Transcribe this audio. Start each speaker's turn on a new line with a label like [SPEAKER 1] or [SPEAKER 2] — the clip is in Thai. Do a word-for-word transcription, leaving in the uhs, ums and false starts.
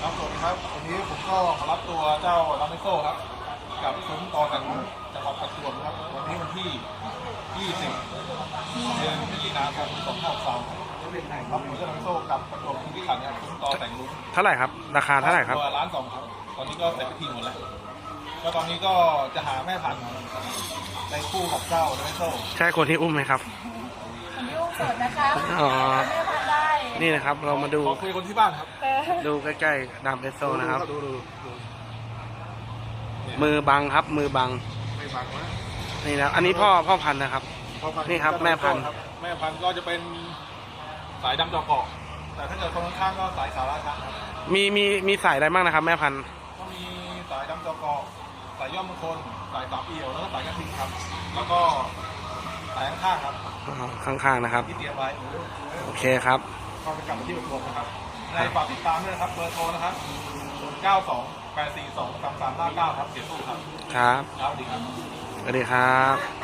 [SPEAKER 1] ครับสวัสดีครับวันนี้ผมก็มารับตัวเจ้าลาเมโซ่ครับกับซุ้มต่อกันจังหวัดประจวบครับวันนี้วันที่ ยี่สิบ เดือนพฤศจิกายนสองพันสองรับตัวเจ้าลาเมโซ่กับประจวบคีรีขันธ์ครับซุ้มต่อแต่งลุ้น
[SPEAKER 2] เท่าไหร่ครับราคาเท่าไหร่ครับ
[SPEAKER 1] ตัวล้านสองครับตอนนี้ก็เสร็จพิธีหมดแล้วก็ตอนนี้ก็จะหาแม่พันธุ์ในคู่กับเจ้าลาเมโซ่
[SPEAKER 2] ใช่คนที่อุ้มไหมครับ
[SPEAKER 3] คนที่อุ้มสดนะคะ
[SPEAKER 2] อ๋อ
[SPEAKER 3] แม่พันธุ์ได้
[SPEAKER 2] นี่นะครับเรามาดู
[SPEAKER 1] ขอคุยคนที่บ้านครับ
[SPEAKER 2] ดูใกล้ๆดามเอสโซนะครับ
[SPEAKER 1] ดูดูดู
[SPEAKER 2] มือบังครับมือบัง
[SPEAKER 1] ไม่ฟังนะ
[SPEAKER 2] นี่นะอันนี้พ่อพ่อพันธุ์นะครับ นี่ครับแม่พันธุ์
[SPEAKER 1] แม่พันธุ์ก็จะเป็นสายดำจอกเกาะแต่ถ้าเกิดคนข้างๆก็สายสาราชันครับ
[SPEAKER 2] มีมีมีสายอะไรบ้างนะครับแม่พันธุ์
[SPEAKER 1] ก็มีสายดำจอกเกาะสายย่อมมงคลสายสามเอี่ยวแล้วก็สายกระทิงครับ แล้วก็สายข้างๆครับ
[SPEAKER 2] อ๋อข้างๆนะครับ
[SPEAKER 1] ที่เตรียมไว้
[SPEAKER 2] โอเคครับ
[SPEAKER 1] ก็จะกลับมาที่ประจวบนะครับในฝากติดตามด้วยนะครับเบอร์โทรนะครับศูนย์ เก้า สอง แปด สี่ สอง สาม สาม ห้า เก้าครับเสียตู้ครับ
[SPEAKER 2] ครับ
[SPEAKER 1] ครับสวัสดีครับ
[SPEAKER 2] สวัสดีครับ